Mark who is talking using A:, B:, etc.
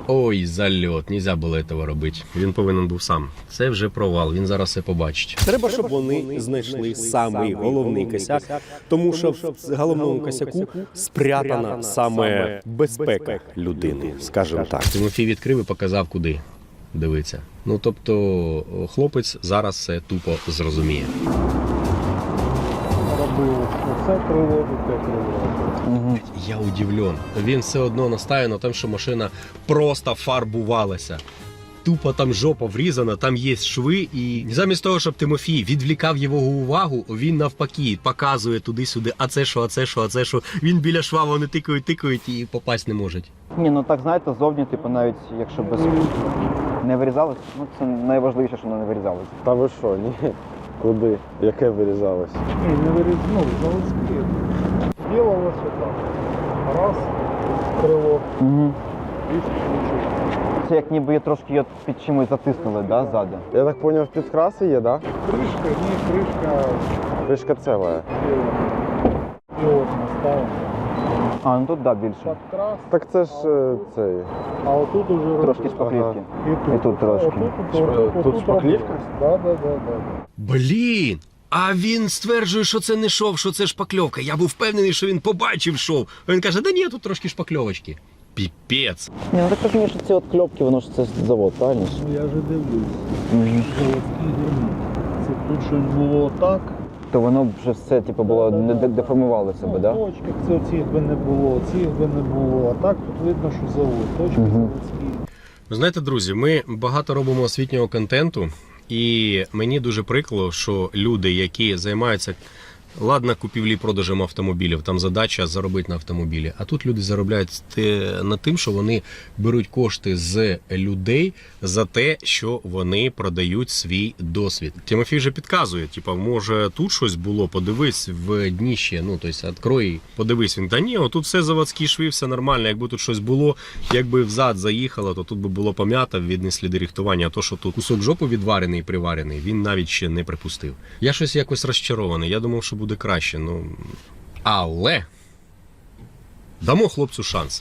A: Ой, зальот, нельзя було цього робити. Він повинен був сам. Це вже провал, він зараз все побачить.
B: Треба, щоб вони знайшли самий головний косяк, тому що в головному косяку спрятана саме безпека людини, скажімо так.
A: Тимофій відкрив і показав, куди дивиться. Ну, тобто, хлопець зараз все тупо зрозуміє.
C: Робив оце крило, те крило.
A: Я удивлен. Він все одно настає на тому, що машина просто фарбувалася. Тупо там жопа врізана, там є шви, і замість того, щоб Тимофій відвлікав його увагу, він навпаки показує туди-сюди, а це що, а це що, а це що. Він біля шва, вони тикають і попасть не можуть.
D: Ні, ну так, знаєте, зовні, типу, навіть якщо без не вирізалось, ну це найважливіше, що воно не вирізалось.
C: Та ви що, ні? Куди? Яке вирізалось? Ні, не вирізнули, заводські. Ділалося так. Раз, крило,
D: Угу.
C: і включив.
D: Це як ніби трошки її під чимось затиснули, да, ззаду?
C: Я так зрозумів, підкраси є, так? Да?
E: Крышка, не крышка,
C: Кришка ціла.
E: и вот наставлена.
D: А, ну тут, да, більше.
E: Подкрас,
C: Так це ж цей.
E: а вот тут уже
D: Трошки
E: робили.
D: шпаклівки.
E: И
D: І тут трошки.
C: Тут шпаклівка?
E: Да.
A: Блін! А він стверджує, що це не шов, що це шпакльовка. Я був впевнений, що він побачив шов. А він каже, да ні, тут трошки шпакльовочки. Піпець.
D: Ні, ну так розумієш, що ці от кльопки, воно ж це завод, правильно?
E: Ну я же дивлюсь,
D: Угу.
E: заводський герман. Це тут щось було так.
D: То воно вже все, типу, було, не деформувало себе,
E: Ну,
D: да?
E: в точках це цих би не було, цих би не було. А так тут видно, що завод. Точки заводські.
A: Ви знаєте, друзі, ми багато робимо освітнього контенту, і мені дуже прикро, що люди, які займаються, ладно, купівлі-продажем автомобілів, там задача заробити на автомобілі, а тут люди заробляють на тим, що вони беруть кошти з людей за те, що вони продають свій досвід. Тимофій вже підказує, типа, може тут щось було, подивись в дніще, ну, тобто, відкрой, подивись. Він, та ні, отут все заводські шви, все нормально, якби тут щось було, якби взад заїхало, то тут би було пом'ято, видні сліди рихтування, а то, що тут кусок жопу відварений і приварений, він навіть ще не припустив. Я щось якось розчарований, я думав, що буде краще, ну, але дамо хлопцю шанс.